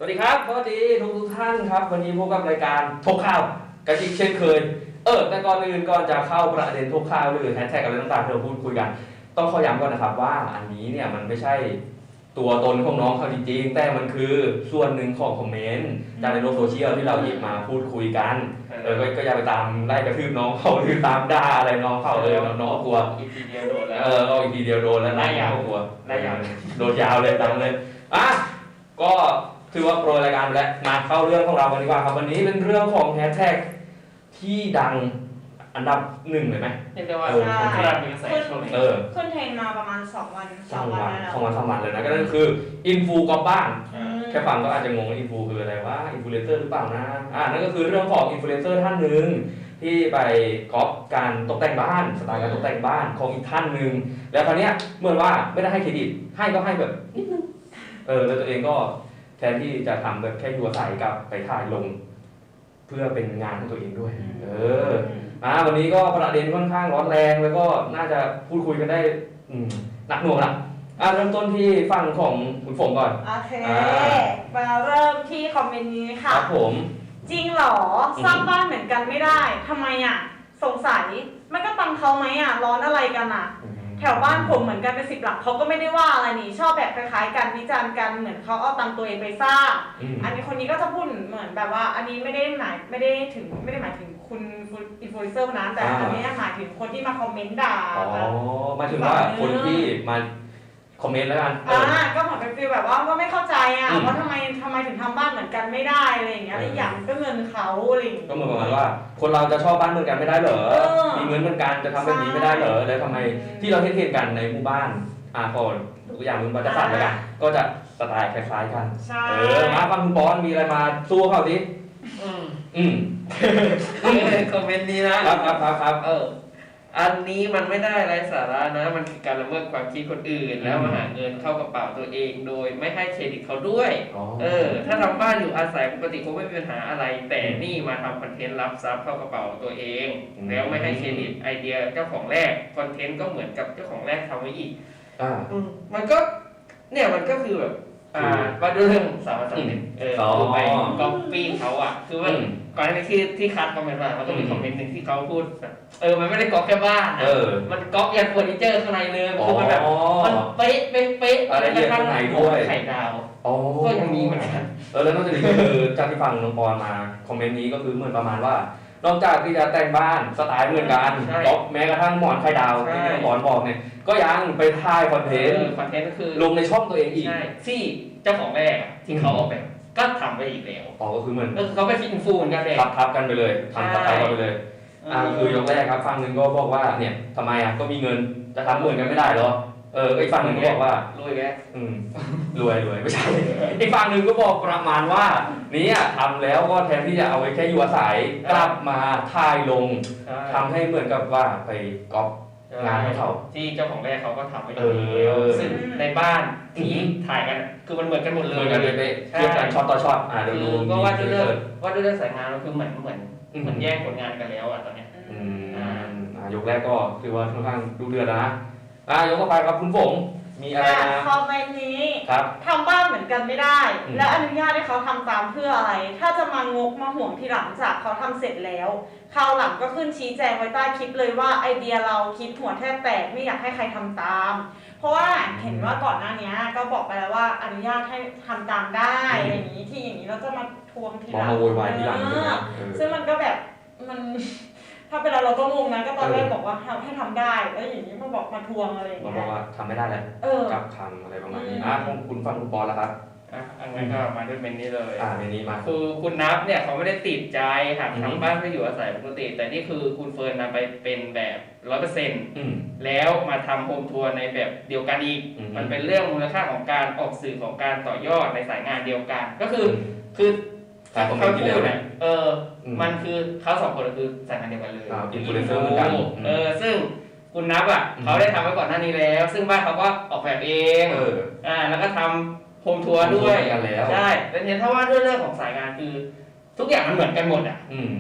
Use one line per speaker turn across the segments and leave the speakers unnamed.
วัสดีครับสวัสดีทุกท่านครับวันนี้พบกับรายการทกข่าวกระชิกเช่นเคยแต่ก่อนอื่นก่อนจะเข้าประเด็นทกข่าวหรือแฮชแท็กอะไรต่างๆที่เราพูดคุยกันต้องขอย้ำก่อนนะครับว่าอันนี้เนี่ยมันไม่ใช่ตัวตนของน้องเขาจริงๆแต่มันคือส่วนหนึ่งของคอมเมนต์จากในโลกโซเชียลที่เราหยิบมาพูดคุยกันก็อย่าไปตามไล่กระทืบน้องเขาหรือตามด่าอะไรน้องเขาน้องกลัว
อีกทีเดียวโดนแล้ว
ก็อีกทีเดียวโดนแล้ว
ไล่ยาว
กลัว
ไล่ยาว
โดนยาวเลยตังเลยก็ถือว่าโปรยรายการไปแล้วมาเข้าเรื่องของเรากันดีกว่าครับวันนี้เป็นเรื่องของแฮชแท็กที่ดังอันดับหนึ่งเลยไหม
เรียกได้ว่าขนาดมีกระแสช่วงนี้
ขึ้นเทรนมาประมาณ2 วันแล้ว
2 วันเลยนะก็นั่นคืออินฟูก๊อปบ้านแค่ฟังก็อาจจะงงว่าอินฟูคืออะไรวะอินฟลูเอนเซอร์หรือเปล่านะนั่นก็คือเรื่องของอินฟลูเอนเซอร์ท่านหนึ่งที่ไปก๊อปการตกแต่งบ้านสไตล์การตกแต่งบ้านของอีกท่านหนึ่งแล้วคราวนี้เหมือนว่าไม่ได้ให้เครดิตให้ก็ให้แบบนิดนึงแล้วตัวเองก็แทนที่จะทำแบบแค่อยู่อาศัยกับไปถ่ายลงเพื่อเป็นงานของตัวเองด้วยวันนี้ก็ประเด็นค่อนข้างร้อนแรงแล้วก็น่าจะพูดคุยกันได้หนักหน่วงละเริ่มต้นที่ฝั่งของคุณฝงก่อน
โอเคมาเริ่มที่คอมเมนต์นี้ค่ะ
ครับผม
จริงเหรอสร้างบ้านเหมือนกันไม่ได้ทำไมสงสัยมันก็ตังเขาไหมร้อนอะไรกันแถวบ้านผมเหมือนกันเป็น10 หลักเขาก็ไม่ได้ว่าอะไรนี่ชอบแบบคล้ายๆกันวิจารณ์กันเหมือนเขาเอาตังตัวเองไปสร้างอันนี้คนนี้ก็จะพูดเหมือนแบบว่าอันนี้ไม่ได้หมายถึงคุณอินฟลูเอนเซอร์นั้นแต่อันนี้หมายถึงคนที่มาคอมเมนต์ด่า
หมายถึงว่าคนที่มาคอมเมนต์แล้วกัน
ก็เหมือนเป็นฟีลแบบว่าก็ไม่เข้าใจว่าทำไมถึงทำบ้านเหมือนกันไม่ได้อะไรอย่างเงี้ยอย่างก็เงินเขาอะไรอย่างเงี้ย
ก็เหมือนประมาณว่าคนเราจะชอบบ้านเหมือนกันไม่ได้เหรอมีเงินเหมือนกันจะทำแบบนี้ไม่ได้เหรอแล้วทำไมที่เราเห็นกันในหมู่บ้านก่อนตัวอย่างมึงบัตรสัตว์แล้วกันก็จะสไตล์คล้ายๆกันมาฟังคุณบอลมีอะไรมาสู้เขาดิ
คอมเมนต์นี้นะครับอันนี้มันไม่ได้ไร้สาระนะมันคือการละเมิดความคิดคนอื่นแล้วมาหาเงินเข้ากระเป๋าตัวเองโดยไม่ให้เครดิตเขาด้วยถ้าทำบ้านอยู่อาศัยปกติคงไม่มีปัญหาอะไรแต่นี่มาทำคอนเทนต์รับทรัพย์เข้ากระเป๋าตัวเองแล้วไม่ให้เครดิตไอเดียเจ้าของแรกคอนเทนต์ก็เหมือนกับเจ้าของแรกทำไว้อีกมันก็เนี่ยมันก็คือแบบว่าด้วยเรื่องสามารถสำเร็จคือไปก๊อปปี้เขาคือว่าก่อนหน้านี้ที่คัดคอมเมนต์มามันก็มีคอมเมนต์หนึ่งที่เขาพูดมันไม่ได้ก๊อปแค่บ้านมันก๊อปยันเฟอร์นิเจอร์ข้างในเลยคือมันแบบมันเป๊ะ
อะไรกระทั่งด้วย
ไข่ดาวก็ยังมีเหมือนกัน
แล้วนอกจากนี้ก็คือจากที่ฟังน้องปอนมาคอมเมนต์นี้ก็คือเหมือนประมาณว่านอกจากที่จะแต่งบ้านสไตล์เหมือนกันก๊อปแม้กระทั่งหมอนไข่ดาวที่น้องปอนบอกเนี่ยก็ยังไปถ่ายคอนเทนต์
ก็คือ
ลงในช่องตัวเองอีก
ที่เจ้าของแรกที่เขาออกแบบก็ทำไปอีกแล้ว
ก็คือเหมือน
เขาไปฟินฟูเหมือนกันเลย
ทับกันไปเลยทำทับไปเลยคือยกแรกครับฝั่งหนึ่งก็บอกว่าเนี่ยทำไมก็มีเงินจะทำเหมือนกันไม่ได้หรออีกฝั่งหนึ่งก็บอกว่าร
วยแก
รวยไม่ใช่อีกฝั่งหนึ่งก็บอกประมาณว่านี่ทำแล้วก็แทนที่จะเอาไว้แค่อยู่อาศัยกลับมาถ่ายลงทำให้เหมือนกับว่าไปก๊อปงานให้เขา
ที่เจ้าของแรกเขาก็ทำไว้แล้วซึ่งในบ้านที่ถ่ายกันคือมันเหมือนกันหมดเลย
เหมือนกันเลยเทียบกันช็อตต่อช็อต
ดูก็ว่าด้วยเรื่องสายงานก็คือเหมือนแย่งผลงานกันแล้วตอนนี้
ยกแรกก็คือว่าค่อนข้างดูเดือดนะยกต่อไปครับคุณฝงมีอะไรนะ
คอมเมนต์นี้ทำบ้านเหมือนกันไม่ได้แล้วอนุญาตให้เขาทำตามเพื่ออะไรถ้าจะมางกมาห่วงทีหลังจากเขาทำเสร็จแล้วคราวหลังก็ขึ้นชี้แจงไว้ใต้คลิปเลยว่าไอเดียเราคิดหัวแทบแตกไม่อยากให้ใครทำตามเพราะว่าเห็นว่าก่อนหน้านี้ก็บอกไปแล้วว่าอนุญาตให้ทำตามได้อย่างนี้ที่อย่างนี้เราจะมาทวงทีหลัง
มาโวยวายทีหลัง
ซึ่งมันก็แบบมันถ้าเป็นเราก็งงนะก็ตอนแรกบอกว่าให้ทำได้แล้วอย่างนี้มาบอกมาทวงอะไรอย่างเงี้ย
บอกว่าทำไม่ได้แล้วกับคำอะไรประมาณนี้คุณฟังคุณปอแล้วครับ
อันนั้นก็มาด้วยเมนนี้เลย
เมนนี้มา
คือคุณนับเนี่ยเขาไม่ได้ติดใจค่ะทำบ้านเพื่ออยู่อาศัยปกติแต่นี่คือคุณเฟิร์นนำไปเป็นแบบ 100% แล้วมาทำโฮมทัวร์ในแบบเดียวกันอีกมันเป็นเรื่องมูลค่าของการออกสื่อของการต่อยอดในสายงานเดียวกันก็คือเขาพูดเนี่ยมันคือเขา2 คนคือสายงานเดียวกันเลย
อินฟลูเอนเซอร์เหมือนกัน
ซึ่งคุณนับเขาได้ทำไว้ก่อนหน้านี้แล้วซึ่งบ้านเขาก็ออกแบบเองแล้วก็ทำโฮมทัวร์ด้วยใช่แต่เห็นถ้าว่าเรื่องของสายงานคือทุกอย่างมันเหมือนกันหมด
ค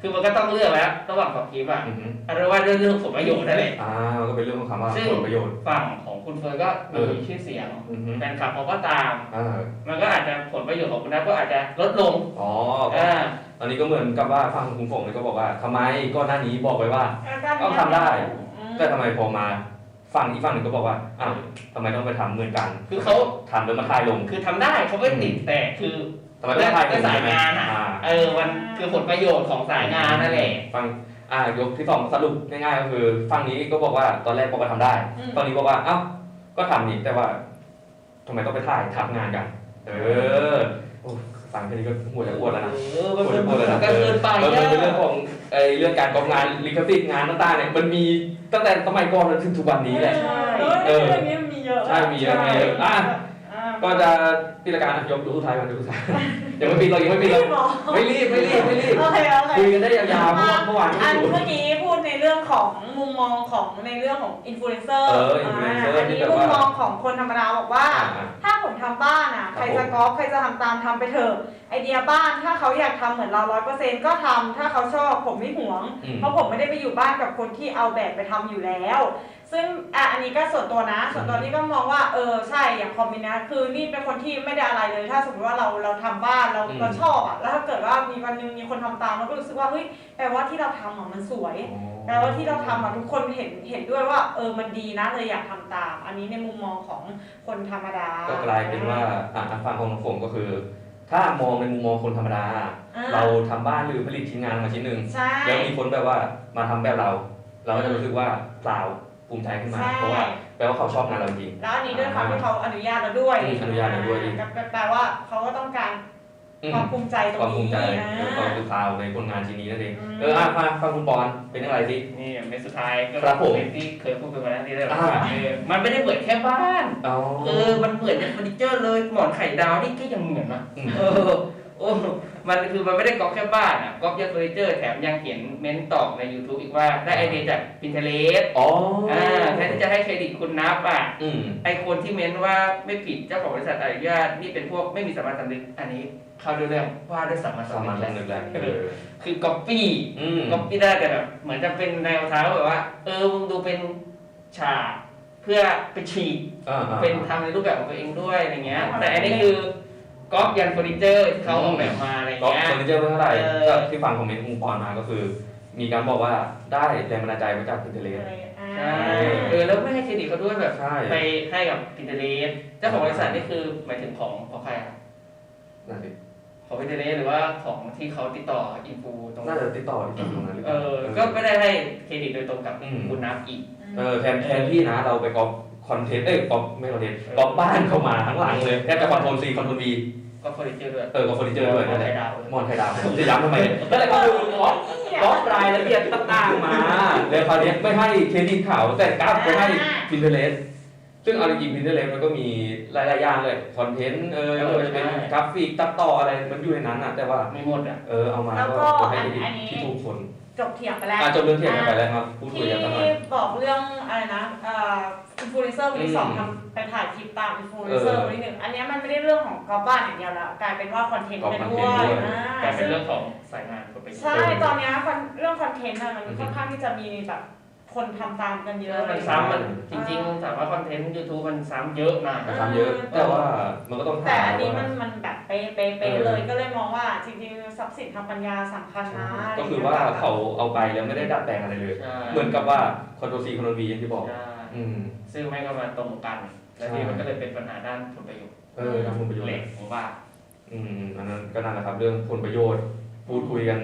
คือมันก็ต้องเลือกแล้วระหว่างของคลิปอ่ะ
อือฮึ
อันนั้นว่าเรื่องผลประโยชน์นั่นแหละ
มันก็เป็นเรื่องของคำว่า
ซึ่ง
ผลประโยชน์
ฝั่งของคุณเฟิร์นก็มีชื่อเสียง
อือฮึ
แฟนคลับเขาก็ตาม
อ่า
มันก็อาจจะผลประโยชน์ของคุณนัทก็อาจจะลดลง
อ๋อ
อ่า
ตอนนี้ก็เหมือนกับว่าฟังคุณฝงเลยก็บอกว่าทำไมก็หน้านี้บอกไว้ว่า ก็ทำได้ แต่ทำไมพอมาฟังอีกฝั่งหนึ่งก็บอกว่าอ้าวทำไมต้องไปทำเหมือนกัน
คือเขา
ทำแล้วมาทายลง
คือทำได้เขาไม่ติดแต่คือ
ทำไมต้องทายล
แต่
ง
สาย
ใช่ไหม
งานอ่ะ
อ่า
มันคือผลประโยชน์ของสายงานนั่นแหละ
ฟังยกที่สองสรุปง่ายๆก็คือฝั่งนี้ก็บอกว่าตอนแรกบอกว่าทำได้ฝั่งนี้บอกว่าเอ้าก็ทำนี่แต่ว่าทำไมต้องไปถ่ายทับงานกัน โอ้ฟังแค่นี้ก็หัวจะปวดแล้วนะ
มันเกินไป
มันเป็นเรื่องของเรื่องการกองงานลิขสิทธิ์งานต่างๆเนี่ยมันมีตั้งแต่สมัยก่อนจนถึงทุกวันนี้แหละ
เรื่องนี้มีเยอะ
ใช่มีเยอะก็จะพิจารณายกดูสุดท้ายก่อนดูสุดท้ายยังไม่ปิดเรายังไม่ปิดเราไม่รีบ
โอเค
คุยกันได้ยาวๆเมื่อวาน
อันเมื่อกี้พูดในเรื่องของมุมมองของในเรื่องของอินฟลูเอนเซอร์อันนี้มุมมองของคนธรรมดาบอกว่า ถ้าผมทำบ้านใครจะก๊อปใครจะทำตามทำไปเถอะไอเดียบ้านถ้าเขาอยากทำเหมือนเรา100%ก็ทำถ้าเขาชอบผมไม่หวงเพราะผมไม่ได้ไปอยู่บ้านกับคนที่เอาแบบไปทำอยู่แล้วซึ่งอันนี้ก็ส่วนตัวนะส่วนตัวนี่ก็มองว่าใช่อย่างคอมมิวนะคือนี่เป็นคนที่ไม่ได้อะไรเลยถ้าสมมติว่าเราทำบ้านเราชอบแล้วถ้าเกิดว่ามีวันนึงมีคนทำตามเราก็รู้สึกว่าเฮ้ยแปลว่าที่เราทำมันสวยแปลว่าที่เราทำทุกคนเห็นด้วยว่ามันดีนะเลยอยากทำตามอันนี้ในมุมมองของคนธรรมดา
ก็กลายเป็นว่าฟังของผมก็คือ ถ้ามองในมุมมองคนธรรมดาเราทำบ้านหรือผลิตชิ้นงานมาชิ้นหนึ่งแล้วมีคนแบบว่ามาทำแบบเราก็จะรู้สึกว่าเปล่าภูมิใจขึ้นมาเพราะว่าแปลว่าเขาชอบงานเราจริง
แล้วอันนี้ด้วยความที่เขาอนุญาตเราด้วยแปลว่าเขาก็ต้องการความภูมิใจตรงนี้ความภูมิใจ
ความเป็นข่าวในผลงานชิ้นนี้นั่นเองฟังคุณปอนเป็นอะไรสิ
นี่เมสสุดท้ายก็เป็นที่เคยพูดไปแล้วนี่ได้หรอมันไม่ได้เหมือนแค่บ้านมันเหมือนเฟอร์นิเจอร์เลยหมอนไข่ดาวนี่ก็ยังเหมือนนะมันคือมันไม่ได้ก๊อปแค่บ้านก๊อปยันเฟอร์นิเจอร์แถมยังเขียนเม้นตอบใน YouTube อีกว่าได้ไอเดียจาก Pinterest แทนที่จะให้เครดิตคุณนับไอคนที่เม้นว่าไม่ผิดเจ้าของบริษัทอนุญาตนี่เป็นพวกไม่มีสามัญสำนึกอันนี้เข้าด้วยเรื่องว่าด้วยสามัญสำนึกแล้วคือก๊อปปี้ได้แต่แบบเหมือนจะเป็นแนวทางแบบว่ามึงดูเป็นฉากเพื่อไปฉีกเป็นทำในรูปแบบของตัวเองด้วยอะไรเงี้ยแต่อันนี้คือก๊อปยันเฟอร์นิเจอร์ที่เขาออกแบบมาอะไรเงี้ย
เฟอร์นิเจอร์ไม่เท่าไหร่ก็ที่ฟังคอมเมนต์มุมปอนมาก็คือ มีการบอกว่าได้แรงบันดาลใจมาจาก Pinterest
ใช่แล้วไม่ให้เครดิตเขาด้วยแบบไปให้กับ Pinterest เจ้าของบริษัทนี่คือหมายถึงของใคร
นั่นสิ
ของ Pinterest หรือว่าของที่เขาติดต่ออินฟูตรง
น่าจะติดต่อตรงนั้นหรือเปล่า
ก็ไม่ได้ให้เครดิตโดยตรงกับคุณนับอีก
แทนที่นะเราไปก๊อปคอนเทนต์ก๊อปไม่คอนเทนต์ก๊อปบ้านเข้ามาทั้งหลังเลยแค่จะคอนโทรล C คอนโทรล V
ก็เฟอร์นิเจอร์ด้วย
ก็เฟอร์นิเจอร์ด้วยนั่นแหละมอนไข่ดาวจะย้ำทำไมก็เลยก็ดูก๊อปรายละเอียดต่างๆมาแล้วคราวนี้ไม่ให้เครดิตเขาแต่กลับไปให้ Pinterest ซึ่งเอาจริงๆ Pinterest มันก็มีหลายๆอย่างเลยคอนเทนต์จะเป็นกราฟิกตัดต่ออะไรมันอยู่ในนั้นนะแต่ว่า
ไม่หมด
เอามาก็ให้ที่ถูกคน
จบเถียงไปแล้ว
จบเรื่องเถียงไปแล้วครับพูดคุยกันตลอด
ที่บอกเรื่องอะไรนะอินฟลูเอนเซอร์คนที่สองทำไปถ่ายคลิปตามอินฟลูเอนเซอร์คนที่หนึ่งอันนี้มันไม่ได้เรื่องของกอล์ฟบ้านอย่างเดียวแล้วกลายเป็นว่าคอนเทนต์ไปด้วย
กลายเป็นเรื่องของสายงานคนไป
ใช่ตอนนี้เรื่องคอนเทนต์มันค่อนข้างที่จะมีแบบคนทำตามกันเยอะ
มันซ้ำมันจริงๆถามว่าคอนเทนต์ YouTube มันซ้ำเยอะนะ
ซ้ำเยอะแต่ว่ามันก็ต้อง
แต่อันนี้มันแบบเป๊ะเลยก็เลยมองว่าจริงๆทรัพย์สินทางปัญญาสำคัญนะ
ก็คือว่าเขาเอาไปแล้วไม่ได้ดัดแปลงอะไรเลยเหมือนกับว่าคอนโทรล C คอนโทรล V อย่างที่บอก
ซึ่งไม่ก็มาตรงกันแล้วนี่มันก็เลยเป็นปัญหาด้านผลประโยชน์
ด้านผลประโยชน์
เหล็กผมว่า
อันนั้นก็นั่นแหละครับเรื่องผลประโยชน์พูดคุยกัน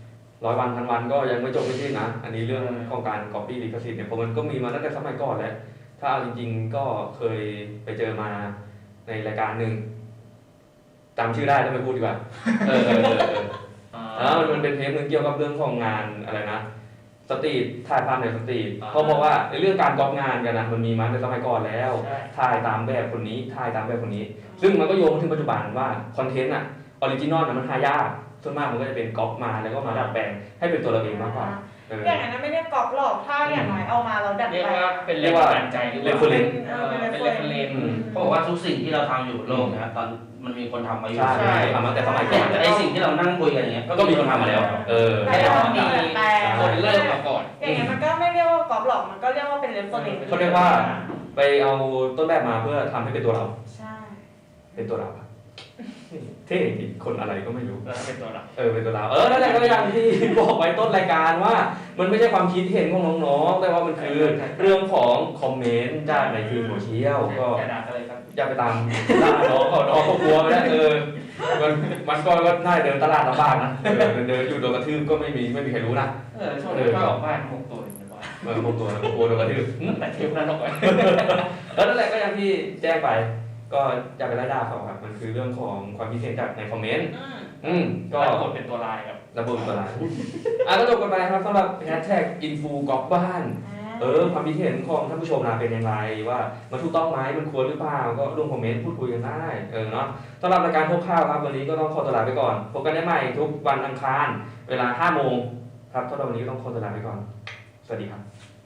100 วันพันวันก็ยังไม่จบไม่สิ้นนะอันนี้เรื่องของการ copy ลิขสิทธิ์เนี่ยเพราะมันก็มีมาตั้งแต่สมัยก่อนแล้วถ้าเอาจริงๆก็เคยไปเจอมาในรายการหนึ่งจำชื่อได้แล้วไม่พูดดีกว่ามันเป็นเทปนึงเกี่ยวกับเรื่องของงานอะไรนะสตรีทถ่ายภาพในสตรีทเขาบอกว่าในเรื่องการก๊อปงานกันนะมันมีมาในสมัยก่อนแล้วถ่ายตามแบบคนนี้ถ่ายตามแบบคนนี้ซึ่งมันก็โยงมาถึงปัจจุบันว่าคอนเทนต์ออริจินอลมันหายากส่วนมากมันก็จะเป็นก๊อปมาแล้วก็มาดัดแปลงให้เป็นตัวเราเองมากกว่า
อย่างนั้นไม่เรียกกรอบหรอกถ้าอย่างน้อยเอามาเราดัด
เรียก
แปล
ว่าง เป็นแรงบันดาลใจหรือเปล่า
reference
เป็นเรฟเฟรนซ์
เพราะว่าทุกสิ่งที่เราทำอยู่บนโลกนะครับตอนมันมีคนทำมาอยู่
ใช่ทำมาแต่สมัยก่
เนี่
อย น
แต่ไอสิ่งที่เรานั่งคุยกันอย่างเงี้ย
ก็มีคนทำมาแล้ว
แต่เรามีดัดแปลง
คนเริ่มมาก่อน
อย่างเงี้ยมันก็ไม่เรียกว่ากรอบหรอกมันก็เรียกว่าเป็นเรฟเฟอร์เรนซ์
เขาเรียกว่าไปเอาต้นแบบมาเพื่อทำให้เป็นตัวเรา
ใช่
เป็นตัวเราครับเท่จริงคนอะไรก็ไม่รู้
เป็นตัวเรา
เป็นตัวเรานั่นแหละก็อย่างที่บอกไว้ต้นรายการว่า มันไม่ใช่ความคิดเห็นของน้องๆแต่ว่ามันคือเรื่องของคอมเมนต์จากในทีมโซเชียลก็
อย่าด่าอะไรครับ
อย่าไปตามล่าน้องเขากลัวไม่ได้มันก็น่าจะเดินตลาดลำบากนะเดินอยู่โดนกระทืบก็ไม่มีใครรู้นะ
ช่วงนี้ก็ออกบ้าน6 ตัวในบ้าน
พวกตัวกลัวโดนกระทืบ
แต่เทปนั้นออกไป
นั่นแหละก็อย่างที่แจ้งไป ก็อย่าไปไล่ด่าเขาครับมันคือเรื่องของความคิดเห็นจากในคอมเมนต์ก็
ก็กดเป็นตัวลายครับ
ระบุตัวลายก็จบกันไปครับสำหรับแฮชแท็กอินฟูกอล์ฟบ้านความคิดเห็นของท่านผู้ชมนะเป็นอย่างไรว่ามันถูกต้องไหมมันควรหรือเปล่าก็ร่วมคอมเมนต์พูดคุยกันได้เนาะสำหรับรายการพบข่าวครับวันนี้ก็ต้องขอตัวลาไปก่อนพบกันได้ใหม่ทุกวันอังคารเวลา 5 โมงครับสำหรับวันนี้ก็ต้องขอตัวลาไปก่อนสวัสดีครับ